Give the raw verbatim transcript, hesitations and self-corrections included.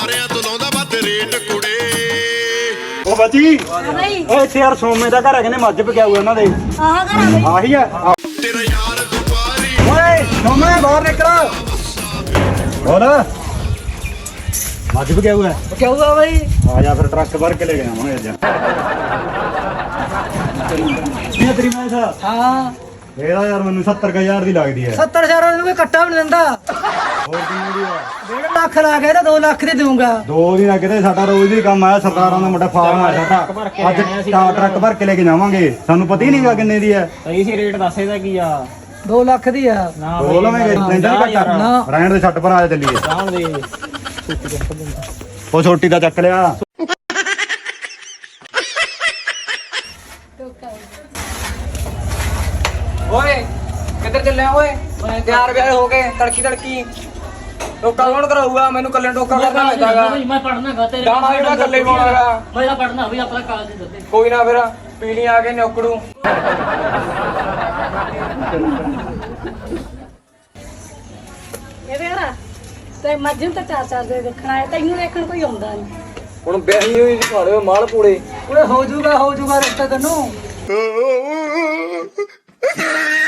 ਸਾਰਿਆਂ ਤੋਂ ਲਾਉਂਦਾ ਵੱਧ ਰੇਟ ਕੁੜੇ। ਉਹ ਬੱਚੀ ਓਏ ਇੱਥੇ ਯਾਰ ਸੋਮੇ ਦਾ ਘਰ ਹੈ, ਕਹਿੰਦੇ ਮੱਝ ਪਕਿਆ ਹੋਇਆ ਉਹਨਾਂ ਦੇ। ਆਹ ਘਰ ਆ ਬਈ। ਆਹੀ ਆ ਤੇਰਾ ਯਾਰ ਦੁਬਾਰੀ ਓਏ ਸੋਮੇ ਬਾਹਰ ਨਿਕਲ। ਹੋਰ ਮੱਝ ਪਕਿਆ ਹੋਇਆ ਕਿਉਂ ਆ ਬਈ? ਆ ਜਾ ਫਿਰ ਟਰੱਕ ਭਰ ਕੇ ਲੈ ਕੇ ਆਵਾਂਗੇ ਅੱਜ। ਕੀ ਤੇਰੀ ਮੈਂ ਸਾ ਹਾਂ ਇਹਦਾ ਯਾਰ ਮੈਨੂੰ ਸੱਤਰ ਹਜ਼ਾਰ ਦੀ ਲੱਗਦੀ ਹੈ। ਸੱਤਰ ਹਜ਼ਾਰ ਨੂੰ ਕੋਈ ਕੱਟਾ ਵੀ ਨਹੀਂ ਦਿੰਦਾ। ਹੋਰ ਕਿੰਨੀ ਦੀ ਆ? ਡੇਢ ਲੱਖ ਲਾ ਕੇ ਤਾਂ ਦੋ ਲੱਖ ਦੀ ਦਊਂਗਾ। ਦੋ ਦਿਨ ਕਿਤੇ ਸਾਡਾ ਰੋਜ਼ ਦੀ ਕੰਮ ਆਇਆ, ਸਰਕਾਰਾਂ ਦਾ ਮੁੰਡਾ ਫਾਰਮ ਆ ਸਾਡਾ। ਅੱਜ ਟਾ ਟਰੱਕ ਭਰ ਕੇ ਲੈ ਕੇ ਜਾਵਾਂਗੇ, ਸਾਨੂੰ ਪਤਾ ਹੀ ਨਹੀਂਗਾ ਕਿੰਨੇ ਦੀ ਹੈ। ਸਹੀ ਸੀ ਰੇਟ ਦੱਸ ਇਹਦਾ ਕੀ ਆ? ਦੋ ਲੱਖ ਦੀ ਆ। ਨਾ ਦੋ ਲਵਾਂਗੇ ਲੈਂਦਾ ਨੀ ਘੱਟ। ਨਾ। ਰਹਿਣ ਦੇ ਛੱਟ ਪਰ ਆ ਚੱਲੀਏ। ਜਾਣ ਦੇ ਉਹ ਛੋਟੀ ਦਾ ਚੱਕ ਲਿਆ। ਓਏ ਕਿੱਧਰ ਚੱਲਿਆ ਓਏ? ਤਿਆਰ ਬਿਆਰ ਹੋ ਕੇ ਤੜਕੀ ਤੜਕੀ ਟੋਕਾ ਕੌਣ ਕਰਾਊਗਾ? ਮੈਨੂੰ ਕੱਲੇ ਟੋਕਾ ਕਰਨਾ ਪੈਂਦਾਗਾ। ਮੈਂ ਪੜਨਾ ਗਾ ਤੇਰੇ ਗਾਣਾ ਵੀ ਮੈਂ ਕੱਲੇ ਪਾਉਣਾਗਾ। ਮੈਂ ਤਾਂ ਪੜਨਾ ਵੀ ਆਪਣਾ ਕਾਲਜ ਦੇ ਦਿੱਤੇ। ਕੋਈ ਨਾ ਫਿਰ ਪੀਣੀ ਆ ਕੇ ਨੌਕੜੂ। ਇਹ ਵੇਰਾ ਤੇ ਮੱਝਮ ਤਾਂ ਚਾਰ ਚਾਰ ਦੇ ਦੇਖਣਾ ਹੈ, ਤੈਨੂੰ ਦੇਖਣ ਕੋਈ ਆਉਂਦਾ ਨਹੀਂ। ਹੁਣ ਵਿਆਹੀ ਹੋਈ ਖਾੜੇ ਮਾਲ ਪੂੜੇ। ਓਏ ਹੋ ਜੂਗਾ ਹੋ ਜੂਗਾ ਰਿਸ਼ਤਾ ਤੈਨੂੰ।